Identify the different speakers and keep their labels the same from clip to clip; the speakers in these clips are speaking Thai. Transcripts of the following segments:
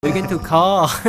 Speaker 1: คุยกันถูกคอ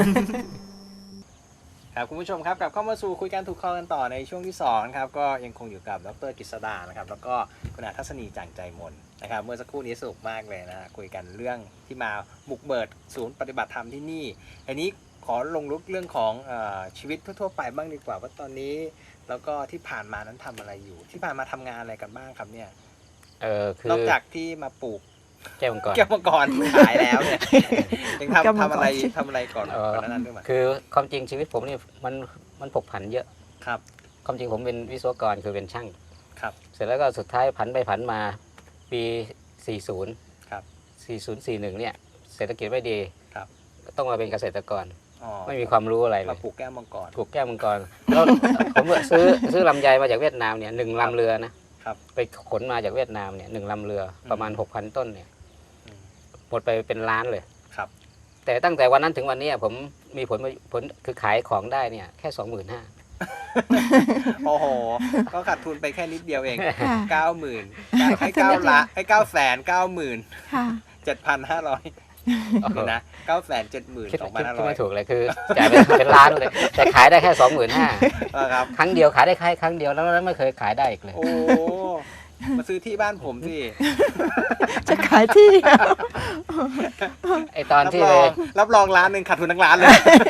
Speaker 2: ครับคุณผู้ชมครับกลับเข้ามาสู่คุยกันถูกคอกันต่อในช่วงที่2ครับก็ยังคงอยู่กับดร.กฤษดานะครับแล้วก็คุณอาทัศนีจ่างใจมนนะครับเมื่อสักครู่นี้สนุกมากเลยนะคุยกันเรื่องที่มาบุกเบิดศูนย์ปฏิบัติธรรมที่นี่อันนี้ขอลงลึกเรื่องของชีวิตทั่วๆไปบ้างดีกว่าว่าตอนนี้แล้วก็ที่ผ่านมานั้นทำอะไรอยู่ที่ผ่านมาทำงานอะไรกันบ้างครับเนี่ย
Speaker 3: คือน
Speaker 2: อกจากที่มาปลูก
Speaker 3: แก้วมังกร
Speaker 2: แก้วมังกรขายแล้วเนี่ยยังทำอะไรก่อนนั้นด้วยมั้ย
Speaker 3: คือความจริงชีวิตผมนี่มันผกผันเยอะ
Speaker 2: ครับ
Speaker 3: ความจริงผมเป็นวิศวกรคือเป็นช่าง
Speaker 2: ครับ
Speaker 3: เสร็จแล้วก็สุดท้ายผันไปผันมาปี 40
Speaker 2: ครับ
Speaker 3: 4041เนี่ยเศรษฐกิจไม่ดี
Speaker 2: ครับ
Speaker 3: ต้องมาเป็นเกษตรกร
Speaker 2: อ๋อ
Speaker 3: ไม่มีความรู้อะไรเล
Speaker 2: มาย ปลูกแก้วมังกร
Speaker 3: ปลูกแก้วมังกรแล้วผมซื้อลำไยมาจากเวียดนามเนี่ย1ลำเรือนะครับ ไปขนมาจากเวียดนามเนี่ย1ลำเรือประมาณ 6,000 ต้นเนี่ยหมดไปเป็นล้านเลย
Speaker 2: ครับ
Speaker 3: แต่ตั้งแต่วันนั้นถึงวันนี้ผมมีผลคือขายของได้เนี่ยแค่ 25,000
Speaker 2: โอ้โห ก็ขาดทุนไปแค่นิดเดียวเอง
Speaker 4: ค่ะ
Speaker 2: 90,000ให้990,000
Speaker 4: ค่ะ
Speaker 2: 7,500เดี๋ยวนะ970,000
Speaker 3: คิดไม่
Speaker 2: 2,500
Speaker 3: ถูกเลยคือจ่ายไปเป็นล้านเลย แต่ขายได้แค่ 25,000
Speaker 2: ครับ
Speaker 3: ครั้งเดียวขายได้แค่ครั้งเดียวแล้วไม่เคยขายได้อีกเลย
Speaker 2: โอ้มาซื้อที่บ้านผมสิ
Speaker 4: จะขายที่
Speaker 3: ไอตอนที่
Speaker 2: รับรองร้านหนึ่งขาดทุนทั้งร้านเลย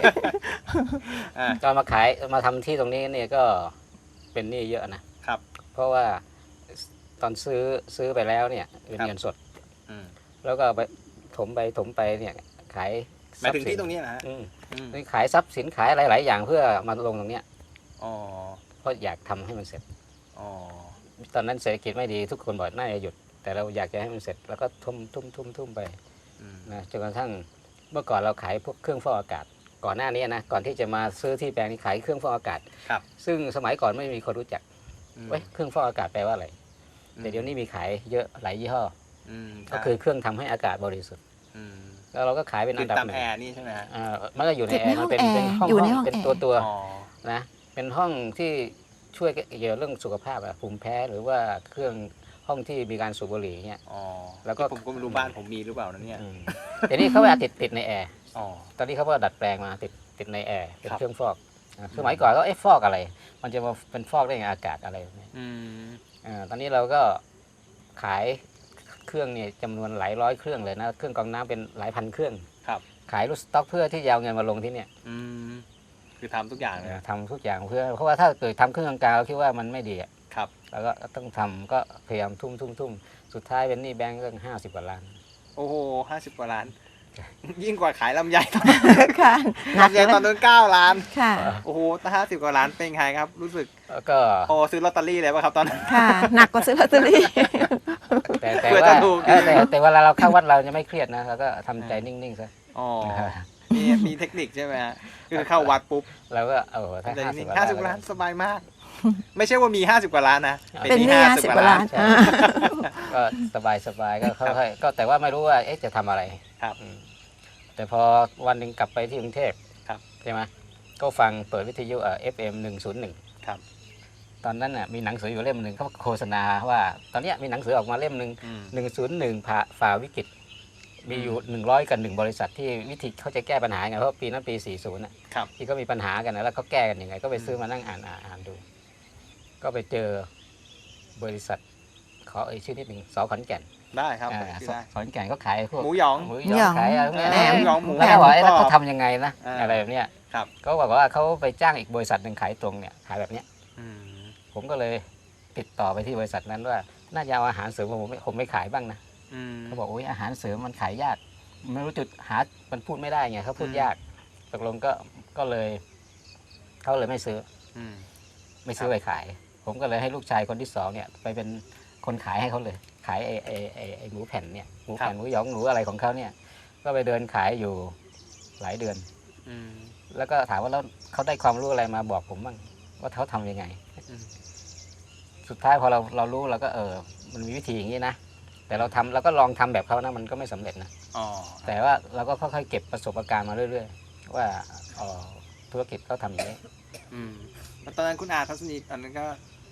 Speaker 3: ตอนมาทำที่ตรงนี้เนี่ยก็เป็นหนี้เยอะนะครับ เพราะว่าตอนซื้อไปแล้วเนี่ยเป็นเงินสด
Speaker 2: อืม
Speaker 3: แล้วก็ไปถมไปเนี่ยขาย
Speaker 2: หมายถึงที่ตรงนี้นะฮะ
Speaker 3: นี่ขายทรัพย์สินขายหลายๆอย่างเพื่อมาลงตรงเนี้ย
Speaker 2: อ๋อ
Speaker 3: เพราะอยากทำให้มันเสร็จ
Speaker 2: อ๋อ
Speaker 3: ตอนนั้นเศรษฐกิจไม่ดีทุกคนบอกน่าจะหยุด แต่เราอยากจะให้มันเสร็จแล้วก็ทุ่มไป
Speaker 2: อืม
Speaker 3: นะจนกระทั่งเมื่อก่อนเราขายพวกเครื่องฟอกอากาศ ก่อนหน้านี้นะก่อนที่จะมาซื้อที่แปลงนี้ขายเครื่องฟอกอากาศ
Speaker 2: ครับ
Speaker 3: ซึ่งสมัยก่อนไม่มีคนรู้จัก
Speaker 2: อืม
Speaker 3: เว้ยเครื่องฟอกอากาศแปลว่าอะไรแต่เดี๋ยวนี้มีขายเยอะหลายยี่ห้อ
Speaker 2: อืม
Speaker 3: ก็คือเครื่องทำให้อากาศบริสุทธิ์
Speaker 2: อืม
Speaker 3: แล้วเราก็ขายเป็น
Speaker 2: ติ
Speaker 3: อั
Speaker 2: ด
Speaker 3: นดับ
Speaker 2: ตาม
Speaker 3: หนึ่
Speaker 2: แอง ร์นี่ใช่ไหมฮะ
Speaker 3: มันก็อยู่ในแอร์มันเป็น
Speaker 4: ติดใน
Speaker 3: ห้อง
Speaker 4: ห้องแอร์อยู่ในห้อง
Speaker 3: เป็น
Speaker 4: แอร์
Speaker 3: ตัว
Speaker 2: อ๋อ
Speaker 3: นะเป็นห้องที่ช่วยเกี่ยวเรื่องสุขภาพอะภูมิแพ้หรือว่าเครื่องห้องที่มีการสูบบุหรี่เงี้ย
Speaker 2: อ๋อ
Speaker 3: แล้วก็
Speaker 2: ผมก็ไม่รู้บ้านผมมีหรือเปล่านะเนี่ย
Speaker 3: เดี๋ยวนี้เขาว่าติดในแอร์
Speaker 2: อ๋อ
Speaker 3: ตอนนี้เขาก็ดัดแปลงมาติดในแอร์เป็น
Speaker 2: ครับ
Speaker 3: เครื่องฟอกสมัยก่อนก็ฟอกอะไร มันจะมาเป็นฟอกได้ไงอากาศอะไรแบบนี้
Speaker 2: อืม
Speaker 3: ตอนนี้เราก็ขายเครื่องเนี่ยจำนวนหลายร้อยเครื่องเลยนะเครื่องกรองน้ำเป็นหลายพันเครื่อง
Speaker 2: ครับ
Speaker 3: ขายรูสต็อกเพื่อที่จะเอาเงินมาลงที่เนี่ย
Speaker 2: อืมคือทำทุกอย่างเลย
Speaker 3: ทำทุกอย่างเพื่อเพราะว่าถ้าเกิดทำเครื่องกลางๆเราคิดว่ามันไม่ดีอะ
Speaker 2: ครับ
Speaker 3: แล้วก็ต้องทำก็พยายามทุ่มสุดท้ายเป็นหนี้แบงก์เรื่อง50 กว่าล้าน
Speaker 2: โอ้โห50 กว่าล้าน ยิ่งกว่าขายลำไย
Speaker 4: ค่ะหนัก
Speaker 2: ลำไย
Speaker 4: เลย
Speaker 2: ตอนนั้น9 ล้าน
Speaker 4: ค่ะ
Speaker 2: โอ้โหถ้า50 กว่าล้านเป็นไงครับ รู้สึก
Speaker 3: แล้วก็
Speaker 2: โอ้ซื้อลอตเตอรี่เลยป่ะครับตอนนั้น
Speaker 4: ค่ะ หนักกว่าซื้อลอตเตอรี่
Speaker 3: แต่
Speaker 2: เพื่อ
Speaker 3: ว่า
Speaker 2: จะถูก
Speaker 3: แต่เวลาเราเข้าวัดเราจะไม่เครียดนะเราก็ทำใจนิ่งๆซะ
Speaker 2: อ๋อมีเทคนิคใช่ไหมฮะคือเข้าวัดปุ๊บ
Speaker 3: เราก็ถ้า
Speaker 2: ใจ
Speaker 3: 50
Speaker 2: นิ่ง
Speaker 3: กว่า
Speaker 2: 50 กว่าล้านสบายมาก ไม่ใช่ว่ามี50 กว่าล้านนะ
Speaker 4: เป็นหนี้50 กว่าล้าน
Speaker 3: ใช่ก็สบายก็ค่อยๆก็แต่ว่าไม่รู้ว่าจะทำอะไร
Speaker 2: ครับ
Speaker 3: แต่พอวันหนึ่งกลับไปที่กรุงเทพ
Speaker 2: ครับ
Speaker 3: ใช่ไหมก็ฟังเปิดวิทยุFM 101
Speaker 2: ครับ
Speaker 3: ตอนนั้นน่ะมีหนังสืออยู่เล่มหนึ่งเขาโฆษณาว่า ตอนเนี้ยมีหนังสือออกมาเล่มหนึ่ง
Speaker 2: อืม
Speaker 3: 101ฝ่าวิกฤตมีอยู่100 กับ 1 บริษัทที่วิธีเขาจะแก้ปัญหาไงเพราะปีนั้นปี 40น่ะ
Speaker 2: ครับ
Speaker 3: ที่ก็มีปัญหากันนะแล้วเขาแก้กันยังไงก็ไปซื้อมานั่งอ่านดู ก็ไปเจอบริษัทขอชื่อนิดหนึ่งสขอนแก่น
Speaker 2: ได้ครับ
Speaker 3: อ่า
Speaker 2: ผมชื่อได้
Speaker 3: ขอนแก่นก็ขายพวก
Speaker 2: หมูหยอง
Speaker 3: หมูหยองขายอะไรพวกเนี้ย
Speaker 4: แหนม
Speaker 2: หมูหยองหมู
Speaker 3: แล้วก็บอก
Speaker 2: แหนม
Speaker 3: แล้ว
Speaker 2: กร
Speaker 3: เขา
Speaker 2: อบ
Speaker 3: ทำยังไงนะ
Speaker 2: อ่า
Speaker 3: อะไรแบบเนี้ย
Speaker 2: ครับ
Speaker 3: ก็บอกว่าเขาไปจ้างอีกบริษัทหนึ่งขายตรงเนี่ยขายแบบเนี้ย
Speaker 2: อืม
Speaker 3: ผมก็เลยติดต่อไปที่บริษัทนั้นว่าน่าจะเอาอาหารเสริมผมไม่ขายบ้างนะ
Speaker 2: อืม
Speaker 3: เขาบอกโอ้ยอาหารเสริมมันขายยากไม่รู้จุดหามันพูดไม่ได้ไงเขาพูดยากตกลงก็เลยเขาเลยไม่ซื้อ
Speaker 2: อืม
Speaker 3: ไม่ซื้อไปขาย ผมก็เลยให้ลูกชายคนที่สองเนี่ยไปเป็นคนขายให้เขาเลย ขายไอ้หมูแผ่นเนี่ยหมูแผ่นหมูหยองหมูอะไรของเขาเนี่ย ก็ไปเดินขายอยู่หลายเดือน
Speaker 2: อืม
Speaker 3: แล้วก็ถามว่าแล้วเขาได้ความรู้อะไรมาบอกผมบ้างว่าเขาทำยังไง
Speaker 2: อืม
Speaker 3: สุดท้ายพอเรารู้เราก็มันมีวิธีอย่างนี้นะแต่เราก็ลองทำแบบเขานะมันก็ไม่สำเร็จนะ
Speaker 2: อ๋อ
Speaker 3: แต่ว่าเราก็ค่อยๆเก็บประสบการณ์มาเรื่อยๆว่าธุรกิจเขาทำอย่างนี้
Speaker 2: อืมแล้วตอนนั้นคุณอาทัศนีตอนนั้นก็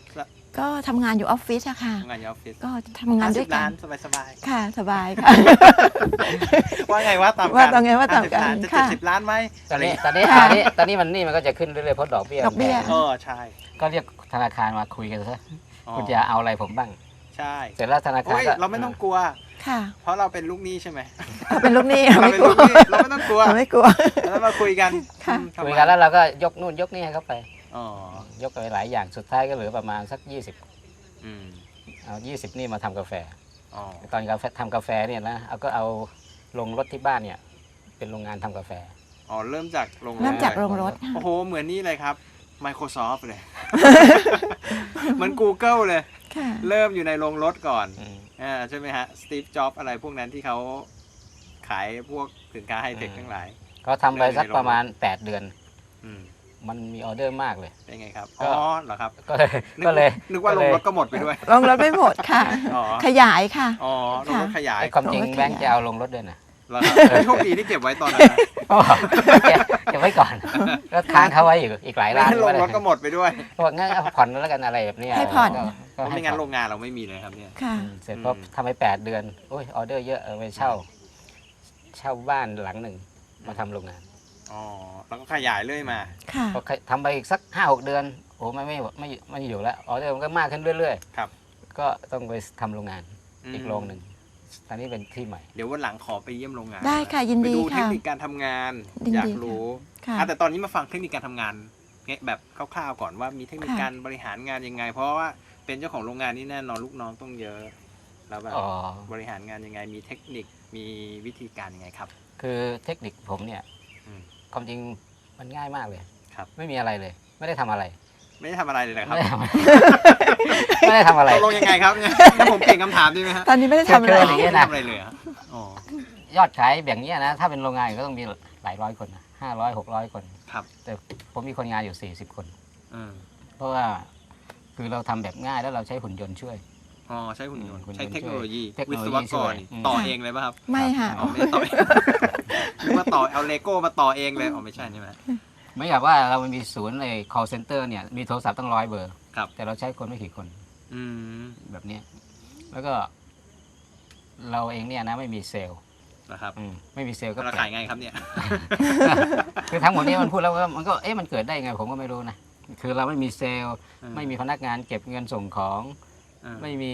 Speaker 4: ก็ทำงานอยู่ออฟฟิศอะค่ะ
Speaker 2: ทำงานอยู่ออฟฟิศ
Speaker 4: ก็ทำงานด้วย
Speaker 2: 50
Speaker 4: กั
Speaker 2: ล้าน นสบาย
Speaker 4: ค่ะสบายค่ะ
Speaker 2: ๆ ว่าไงว่าตามกัน
Speaker 4: ว่าตามไงว่าตามกัน
Speaker 2: 50 ล้จะ
Speaker 4: ค่ะ
Speaker 2: 70 ล้านไหม
Speaker 3: ตอนนี้
Speaker 2: ะไร
Speaker 3: ตอนนี้มันก็จะขึ้นเรื่อยๆเพราะดอกเบี้ย
Speaker 4: ดอกเบี้ย
Speaker 3: มันแพง
Speaker 2: ใช่
Speaker 3: ก็เรียกธนาคารมาคุยกันซะ
Speaker 2: อ๋อ
Speaker 3: คุณจะเอาอะไรผมบ้าง
Speaker 2: ใช่
Speaker 3: เสร็จแล้วธนาคาร
Speaker 2: โอ้ย
Speaker 3: ก็
Speaker 2: เราไม่ต้องกลัว
Speaker 4: ค่ะ
Speaker 2: เพราะเราเป็นลูกหนี้ใช่ไหม
Speaker 4: ถ้าเป็นลูกหนี้
Speaker 2: เรา
Speaker 4: ไม่
Speaker 2: เป็น
Speaker 4: กลั
Speaker 2: ลู
Speaker 4: ว
Speaker 2: กหนี้เราไม่ต้องกลัว
Speaker 4: เราไม่กลัว
Speaker 2: แล้วมาคุยกัน
Speaker 4: ค่ะ
Speaker 2: ทำไม
Speaker 3: คุยกันแล้วเราก็ยกนู่นยกนี่ให้เขาไป
Speaker 2: อ๋อย
Speaker 3: กไปหลายอย่างสุดท้ายก็เหลือประมาณสัก 20
Speaker 2: อืม
Speaker 3: เอา20 นี่มาทำกาแฟ
Speaker 2: อ๋อ
Speaker 3: ตอนทำกาแฟเนี่ยนะเอาลงรถที่บ้านเนี่ยเป็นโรงงานทำกาแฟ
Speaker 2: อ๋อเริ่มจากโรง
Speaker 4: เริ่มจากโรงรถ
Speaker 2: โอ้โหเหมือนนี่เลยครับ Microsoft เลย เหมือน Google เลย
Speaker 4: ค่ะ
Speaker 2: เริ่มอยู่ในโรงรถก่อน
Speaker 3: อืม
Speaker 2: ใช่ไหมฮะสตีฟจ็อบอะไรพวกนั้นที่เขาขายพวกสินค้าไฮเทคทั้งหลาย
Speaker 3: ก็ทำไปสักประมาณ 8 เดือน
Speaker 2: อืม
Speaker 3: มันมีออเดอร์มากเลย
Speaker 2: เป็นไงครับ
Speaker 3: ก็
Speaker 2: อ๋อเหรอครับ
Speaker 3: ก็เลย
Speaker 2: นึกว่าโรงรถก็หมดไปด้วย
Speaker 4: โรงรถไม่หมดค่ะ
Speaker 2: อ๋อ
Speaker 4: ขยายค่ะ
Speaker 2: อ๋อโรงรถขยาย
Speaker 3: ไอ้ความจริง
Speaker 4: ผมก็ขยาย
Speaker 3: แบงค์จะเอาลงรถด้วยนะ
Speaker 2: แล้วครับโชคดีที่เก็บไว้ตอนนั้นนะ
Speaker 3: เก็บไว้ก่อนก็ค้างเขาไว้อยู่อีกหลาย
Speaker 2: ไม่
Speaker 3: ล้าน
Speaker 2: งั้นโรงรถก็หมดไปด้วย
Speaker 3: บอกงั้นเอาผ่อนแล้วกันอะไรแบบเนี้ย
Speaker 4: ให้ผ่อน
Speaker 2: เพราะ
Speaker 3: ให้
Speaker 2: ไม่งั้น
Speaker 3: ผ่
Speaker 2: โร
Speaker 3: อน
Speaker 2: งงานเราไม่มีเลยครับเนี่ย
Speaker 4: ค่ะ
Speaker 3: เสร็จก็ทำไป8 เดือนโอ้ยออเดอร์เยอะไปเช่าบ้านหลังหนึ่งมาทำโรงงาน
Speaker 2: อ๋อแล้วก็ขยายเรื่อยมา
Speaker 4: ค่ะ
Speaker 3: พอทำไปอีกสัก 5-6 เดือนโอ้ไม่อยู่แล้วออเดอร์มันก็มากขึ้นเรื่อย
Speaker 2: ครับ
Speaker 3: ๆก็ต้องไปทำโรงงานอีกโรงหนึ่งตอนนี้เป็นที่ใหม่
Speaker 2: เดี๋ยววันหลังขอไปเยี่ยมโรงงาน
Speaker 4: ได้ค่ะยิน
Speaker 2: ไป
Speaker 4: ดี
Speaker 2: ดูเทค
Speaker 4: ค่ะ
Speaker 2: นิคการทำงาน
Speaker 4: ยินดี
Speaker 2: อยากรู้
Speaker 4: ค่ะ
Speaker 2: แต่ตอนนี้มาฟังเทคนิคการทำงานแบบคร่าวๆก่อนว่ามีเทคนิค
Speaker 4: ค่ะ
Speaker 2: การบริหารงานยังไง เพราะว่าเป็นเจ้าของโรงงานนี่แน่นอนลูกน้องต้องเยอะแล้วแบบ
Speaker 3: อ๋อ
Speaker 2: บริหารงานยังไง มีเทคนิคมีวิธีการยังไงครับ
Speaker 3: คือเทคนิคผมเนี่ย
Speaker 2: อืม
Speaker 3: ความจริงมันง่ายมากเลย
Speaker 2: ครับ
Speaker 3: ไม่มีอะไรเลย ไม่ได้ทำอะไร
Speaker 2: ไม่ได้ทำอะไรเลยนะครับ
Speaker 3: ไม่ได้ทำอะไร
Speaker 2: ตกลงยังไงครับเนี่ยถ้าผมเปลี่ยนคำถามดีไหมฮะ
Speaker 4: ตอนนี้ไม่ได้ทำอะไร
Speaker 3: เชิญ
Speaker 2: ไม่
Speaker 3: ย่างเงี้ย
Speaker 2: ได้
Speaker 3: นะ
Speaker 2: ทำอะไรเลยเหรออ๋อ
Speaker 3: ยอดขายแบบเนี้ยนะถ้าเป็นโรงงานก็ต้องมีหลายร้อยคนนะ500-600 คน
Speaker 2: ครับ
Speaker 3: แต่ผมมีคนงานอยู่ 40 คน
Speaker 2: อืม
Speaker 3: เพราะว่าคือเราทำแบบง่ายแล้วเราใช้หุ่นยนต์ช่วย
Speaker 2: อ๋อใช้หุ่นยนต์
Speaker 3: หุ่นยนต์
Speaker 2: ใช้เทคโนโลยี
Speaker 3: เทคโน
Speaker 2: วิ
Speaker 3: โล
Speaker 2: ศ
Speaker 3: ยี
Speaker 2: วก
Speaker 3: ช่ว
Speaker 2: ร
Speaker 3: ย
Speaker 2: นี่
Speaker 3: อืม
Speaker 2: ต่อเองเลยป่ะครับ
Speaker 4: ไม่ค่ะ
Speaker 2: อ๋อไม่ได้ต่อเองนึกว่าต่อเอาเลโก้มาต่อเองเลยอ๋อไม่ใช่ใช่ไหม
Speaker 3: ไม่อยากว่าเรามีศูนย์ใน call center เนี่ยมีโทรศัพท์ตั้ง100 เบอร์
Speaker 2: ครับ
Speaker 3: แต่เราใช้คนไม่กี่คน
Speaker 2: อืม
Speaker 3: แบบเนี้ยแล้วก็เราเองเนี่ยนะไม่มีเซลล์
Speaker 2: นะครับ
Speaker 3: ไม่มีเซลล์ก็
Speaker 2: เรา
Speaker 3: แปล
Speaker 2: ขาย
Speaker 3: ก
Speaker 2: ไงครับเนี่ย
Speaker 3: คือทั้งหมดนี้มันพูดแล้วมันก็มันเกิดได้ยังไงผมก็ไม่รู้นะคือเราไม่มีเซลล์ไม่มีพนักงานเก็บเงินส่งของ ไม่มี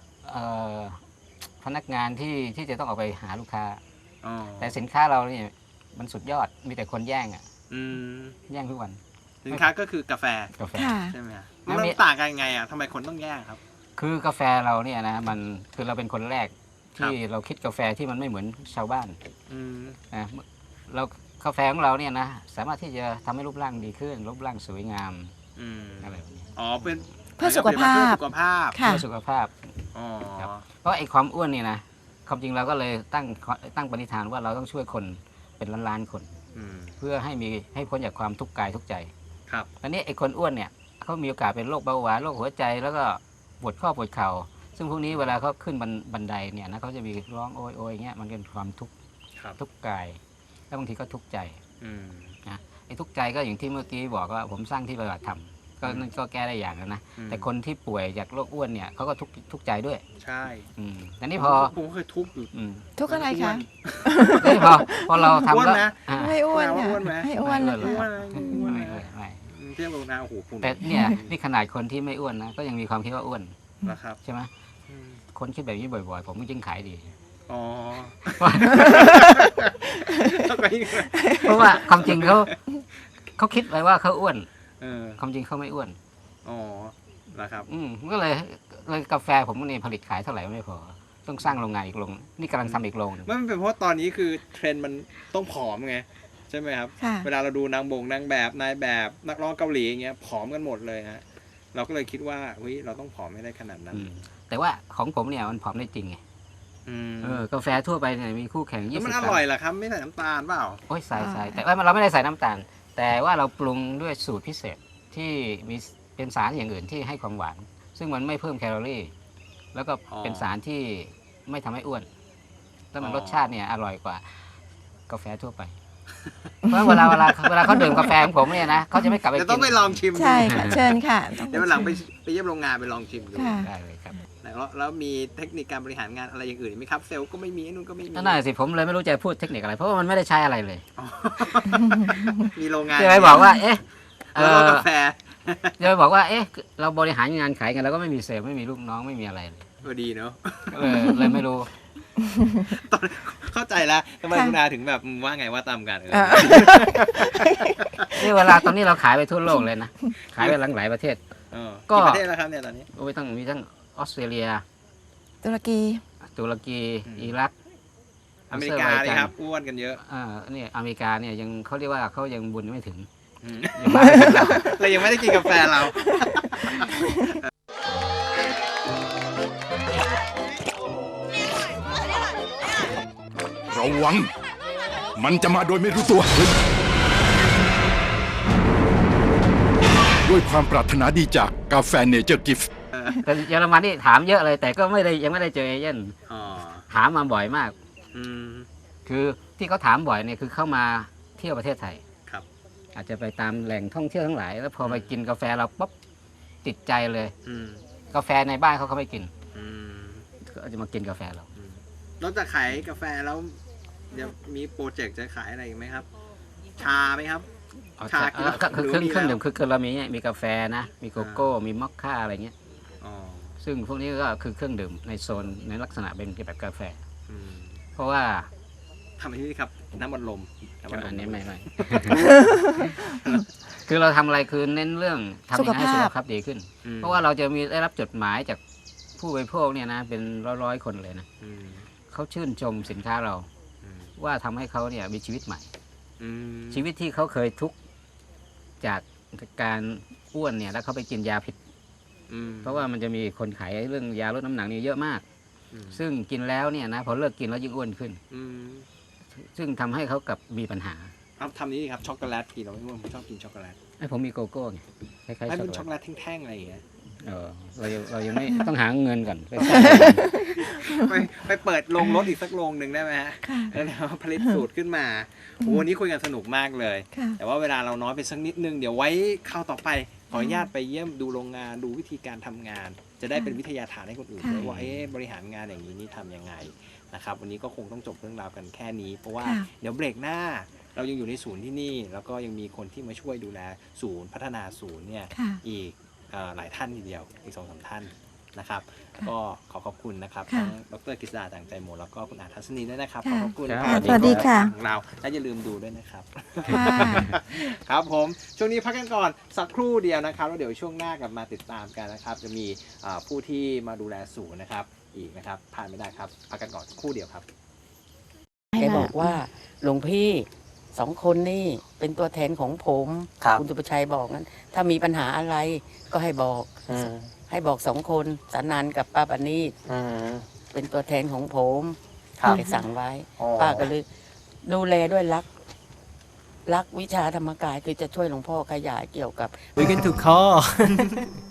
Speaker 3: พนักงานที่จะต้องออกไปหาลูกค้า
Speaker 2: อ๋อ
Speaker 3: แต่สินค้าเราเนี่ยมันสุดยอดมีแต่คนแย่งอ่ะ
Speaker 2: อืม
Speaker 3: แย่งทุกวัน
Speaker 2: สินค้าก็คือกาแฟ
Speaker 3: กาแฟ
Speaker 4: ค่ะ
Speaker 2: ใช่ไหมฮะ
Speaker 3: ไม่
Speaker 2: มัน
Speaker 3: มี
Speaker 2: ต่างกันยังไงอ่ะทำไมคนต้องแย่งครับ
Speaker 3: คือกาแฟเราเนี่ยนะมันคือเราเป็นคนแรกที่เราคิดกาแฟที่มันไม่เหมือนชาวบ้าน
Speaker 2: อืม
Speaker 3: นะเรากาแฟของเราเนี่ยนะสามารถที่จะทำให้รูปร่างดีขึ้นรูปร่างสวยงาม
Speaker 2: อืม
Speaker 3: อะไรแบบนี้
Speaker 2: อ๋อเป็น
Speaker 4: เพื่อสุขภาพ
Speaker 2: เพื่อสุขภาพ
Speaker 4: ค่ะ
Speaker 3: เพื่อสุขภาพ
Speaker 2: อ๋อ
Speaker 3: ครับ เพราะไอ้ความอ้วนนี่นะความจริงเราก็เลยตั้งปณิธานว่าเราต้องช่วยคนเป็นล้านๆคน
Speaker 2: อืม
Speaker 3: เพื่อให้พ้นจากความทุกข์กายทุกข์ใจ
Speaker 2: ครับ
Speaker 3: ตอนนี้ไอ้คนอ้วนเนี่ยเขามีโอกาสเป็นโรคเบาหวานโรคหัวใจแล้วก็ปวดข้อปวดเข่าซึ่งพวกนี้เวลาเขาขึ้นบันไดเนี่ยนะเขาจะมีร้องโอยอย่างเงี้ยมันเป็นความทุกข์
Speaker 2: ครับ
Speaker 3: ทุกข์กาย แล้วบางทีก็ทุกข์ใจ
Speaker 2: อืม
Speaker 3: ไอ้ทุกข์ใจก็อย่างที่เมื่อกี้บอกว่าผมสร้างที่ปฏิบัติธรรมก็
Speaker 2: อืม
Speaker 3: นั่นก็แก้ได้อย่างนะ
Speaker 2: อืม
Speaker 3: แต่คนที่ป่วยจากโรคอ้วนเนี่ยเขาก็ทุกข์ใจด้วย
Speaker 2: ใช่
Speaker 3: แต่นี่พอ
Speaker 2: ผมก็เคยทุบอยู่
Speaker 3: อืม
Speaker 4: ทุกข์อะไรคะ
Speaker 3: แต่นี่พอเราทำ
Speaker 2: อ้วน
Speaker 3: แล้ว
Speaker 2: นะ
Speaker 3: อ่า
Speaker 4: ไม่อ้วน
Speaker 2: อ้
Speaker 4: ค่ะ
Speaker 2: วนไหม
Speaker 4: ไม่อ้วน
Speaker 3: ไม่
Speaker 4: เล
Speaker 3: อ้วน
Speaker 4: ย
Speaker 2: อ้วน
Speaker 3: ไม่
Speaker 2: นะอ้วน
Speaker 3: ไม่
Speaker 2: นะ
Speaker 3: ไม่
Speaker 2: เทียบกับนาโอ้โหคุณ
Speaker 3: แต่เนี่ยนี่ขนาดคนที่ไม่อ้วนนะก็ยังมีความคิดว่าอ้วน
Speaker 2: นะครับ
Speaker 3: ใช่ไหม
Speaker 2: อืม
Speaker 3: คนคิดแบบนี้บ่อยๆ ผมก็ยิ่งขายดี
Speaker 2: อ๋อ
Speaker 3: เพราะว่าความจริงเขาคิดไว้ว่าเขาอ้วน
Speaker 2: เออ
Speaker 3: ความจริงเขาไม่อ้วน
Speaker 2: อ๋อนะครับ
Speaker 3: ก็เลยกาแฟผมนี่ผลิตขายเท่าไหร่ไม่พอ ต้องสร้างโรงงานอีกโรงนี่กำลังทำอีกโรงหนึ่ง
Speaker 2: มันเป็นเพราะตอนนี้คือเทรนด์มันต้องผอมไงใช่ไหมครับ
Speaker 4: ค่ะ
Speaker 2: เวลาเราดูนางแบบนายแบบนักร้องเกาหลีอย่างเงี้ยผอมกันหมดเลยฮะเราก็เลยคิดว่าเฮ้ยเราต้องผอมไม่ได้ขนาดนั้น
Speaker 3: แต่ว่าของผมเนี่ยมันผอมได้จริงไง
Speaker 2: อืม
Speaker 3: กาแฟทั่วไปเนี่ยมีคู่แข่ง
Speaker 2: แล้ว
Speaker 3: 20
Speaker 2: มัน
Speaker 3: ก
Speaker 2: อ
Speaker 3: รัม
Speaker 2: ร่อยเหรอครับไม่ใส่น้ำตาลเปล่า
Speaker 3: โอ้ยใส่แต่ว่าเราไม่ได้ใส่น้ำตาล แต่ว่าเราปรุงด้วยสูตรพิเศษที่มีเป็นสารอย่างอื่นที่ให้ความหวาน ซึ่งมันไม่เพิ่มแคลอรี่ แล้วก็เป็นสารที่ไม่ทำให้อ้วน แล้วมันรสชาติเนี่ยอร่อยกว่ากาแฟทั่วไปเพราะเวลาเขาดื่มกาแฟของผมเนี่ยนะเขาจะไม่กลับไป
Speaker 2: จะ
Speaker 3: กิ
Speaker 2: ต้องไปลองชิมดู
Speaker 4: ใช่ค่ะ เชิญค่ะต้อง
Speaker 2: เดี๋ยววันหลังไป
Speaker 4: ชิม
Speaker 2: ไปเยี่ยมโรงงานไปลองชิมดู
Speaker 4: ค่ะ
Speaker 3: ได้เลยครับ
Speaker 2: แล้วมีเทคนิคการบริหารงานอะไรอย่างอื่นไหมครับเซลล์ก็ไม่มีไอ้นู่นก็ไม่มี
Speaker 3: นั่นน่ะสิผมเลยไม่รู้จะพูดเทคนิคอะไร เพราะว่ามันไม่ได้ใช้อะไรเลย
Speaker 2: อ๋อมีโรงงาน
Speaker 3: จะไปบอกว่า เอ๊ะ
Speaker 2: แล้วก็กาแฟ
Speaker 3: จะไปบอกว่า เอ๊ะ เราบริหารงานขายกันแล้วก็ไม่มีเซลล์ไม่มีลูกน้องไม่มีอะไรเลย
Speaker 2: ก็ดีเนาะ
Speaker 3: เลยไม่รู้
Speaker 2: ตอนเข้าใจแล้วทำไม
Speaker 4: ค่ะ
Speaker 2: คุณอาถึงแบบว่าไงว่าตามกัน
Speaker 4: อ่า
Speaker 3: นี่เวลาตอนนี้เราขายไปทั่วโลกเลยนะ ขายไปหลายประเทศ ก็
Speaker 2: กี่ประเทศแล้วครับเนี่ยตอนนี้
Speaker 3: โอ้ยมีทั้งออสเตรเลีย
Speaker 4: ตุรกี
Speaker 3: ตุรกี
Speaker 2: อืม
Speaker 3: อิรัก
Speaker 2: อเมริกานี่ครับอ้วนกันเยอะ
Speaker 3: นี่อเมริกาเนี่ยยังเขาเรียกว่าเขายังบุญไม่ถึง
Speaker 2: อืม
Speaker 3: ยังมาไม่ถึงเรา
Speaker 2: เรายังไม่ได้กินกาแฟเรา
Speaker 1: ระวัง มันจะมาโดยไม่รู้ตัวเฮ้ยด้วยความปรารถนาดีจากกาแฟเนเจอร์กิฟต์
Speaker 3: แต่เยอรมันนี่ถามเยอะเลย แต่ก็ยังไม่ได้เจอเอเย่น
Speaker 2: อ๋อ
Speaker 3: ถามมาบ่อยมาก
Speaker 2: อืม
Speaker 3: คือที่เขาถามบ่อยเนี่ยคือเข้ามาเที่ยวประเทศไทย
Speaker 2: ครับ
Speaker 3: อาจจะไปตามแหล่งท่องเที่ยวทั้งหลาย แล้วพอไปกินกาแฟเราปุ๊บติดใจเลย
Speaker 2: อืม
Speaker 3: กาแฟในบ้านเขาไม่กิน
Speaker 2: อืม
Speaker 3: ก็จะมากินกาแฟเรา
Speaker 2: นอกจากขายกาแฟแล้วเดี๋ยวมีโปรเจกต์จะขายอะไรอีกไหมครับ ชาไหมครับ ชากินแล้ว
Speaker 3: ก็คือ
Speaker 2: หรือ
Speaker 3: เครื่อง
Speaker 2: มีแล้ว
Speaker 3: ดื่มคือเรามีกาแฟนะ มีโกโก้ มีมอคค่าอะไรเงี้ย
Speaker 2: อ๋อ
Speaker 3: ซึ่งพวกนี้ก็คือเครื่องดื่มในโซนในลักษณะเป็นแบบกาแฟ
Speaker 2: อืม
Speaker 3: เพราะว่า
Speaker 2: ทำที่นี่ครับน้ำมันลมำมัลม
Speaker 3: อันนี้ไม่ คือเราทำอะไรคือเน้นเรื่องทำยังไงให้สุขภาพดีขึ้น
Speaker 2: อืม
Speaker 3: เพราะว่าเราจะมีได้รับจดหมายจากผู้บริโภคเนี่ยนะเป็นร้อยคนเลยนะ
Speaker 2: อืม
Speaker 3: เขาชื่นชมสินค้าเรา
Speaker 2: อืม
Speaker 3: ว่าทำให้เขาเนี่ยมีชีวิตใหม่
Speaker 2: อืม
Speaker 3: ชีวิตที่เขาเคยทุกข์จากการอ้วนเนี่ยแล้วเขาไปกินยาผิด
Speaker 2: อืม
Speaker 3: เพราะว่ามันจะมีคนขายเรื่องยาลดน้ำหนักนี่เยอะมาก
Speaker 2: อืม
Speaker 3: ซึ่งกินแล้วเนี่ยนะพอเลิกกินแล้วยิ่งอ้วนขึ้น
Speaker 2: อืม
Speaker 3: ซึ่งทำให้เขากับมีปัญหา
Speaker 2: เอาทำนี้ดีครับช็อกโกแลตกินเราไม่ผมชอบกินช็อกโกแลต
Speaker 3: ไอ้ผมมีโกโก้ไงคล้ายๆ
Speaker 2: ไม่
Speaker 3: ช็อก
Speaker 2: เป็น
Speaker 3: โก
Speaker 2: ช็อกโก
Speaker 3: แลต
Speaker 2: แลตแท่งๆอะไรอย่างเงี้ย
Speaker 3: เรายังไม่ ต้องหาเงินก่อนไป
Speaker 2: ไปเปิดโรงรถอีกสักโรงหนึ่งได้ไหมฮะ
Speaker 4: ค่ะ
Speaker 2: แล้วผลิตสูตรขึ้นมาโอ้วันนี้คุยกันสนุกมากเลย
Speaker 4: ค่ะ
Speaker 2: แต่ว่าเวลาเราน้อยไปสักนิดนึง เดี๋ยวไว้คราวต่อไป ขออนุญาตไปเยี่ยมดูโรงงานดูวิธีการทำงาน จะได้เป็นวิทยาทานให้คนอื่น
Speaker 4: ค่ะ
Speaker 2: ด้วยว่าบริหารงานอย่างนี้นี่ทำยังไงนะครับวันนี้ก็คงต้องจบเรื่องราวกันแค่นี้ เพราะว่า
Speaker 4: ค่ะ
Speaker 2: เดี๋ยวเบรกหน้า เรายังอยู่ในศูนย์ที่นี่ แล้วก็ยังมีคนที่มาช่วยดูแลศูนย์พัฒนาศูนย์เนี่ย
Speaker 4: ค่ะ
Speaker 2: อีกหลายท่านทีเดียวอีก2-3 ท่านนะครับ
Speaker 4: ค่ะ
Speaker 2: ก็ขอขอบคุณนะครับ
Speaker 4: ค่ะ
Speaker 2: ทั้งดรกฤษดาต่างใจหมดแล้วก็คุณอาทัศนีด้วยนะครับขอ
Speaker 4: ค่ะ
Speaker 2: ขอบคุณ
Speaker 3: ครับ
Speaker 4: สวัสดีค่ะ
Speaker 2: ของเราและอย่าลืมดูด้วยนะครับ
Speaker 4: ค่ะ
Speaker 2: ครับผมช่วงนี้พักกันก่อนสักครู่เดียวนะครับแล้วเดี๋ยวช่วงหน้ากลับมาติดตามกันนะครับ จะมีผู้ที่มาดูแลศูนย์นะครับอีกนะครับผ่านไม่ได้ครับพักกันก่อนสักครู่เดียวครับ
Speaker 5: แกบอกว่าหลวงพี่2 คนนี่เป็นตัวแทนของผม
Speaker 2: ครับ
Speaker 5: ณสุประชัยบอกนั้น ถ้ามีปัญหาอะไรก็ให้บอก ให้บอก2 คนสานันกับป้าปานีตเป็นตัวแทนของผม
Speaker 2: ครับ
Speaker 5: แกสั่งไว้ ป้าก็เลยดูแลด้วยรักวิชาธรรมกายคือจะช่วยหลวงพ่อขยายเกี่ยวกับ
Speaker 2: คุยกันถูกคอ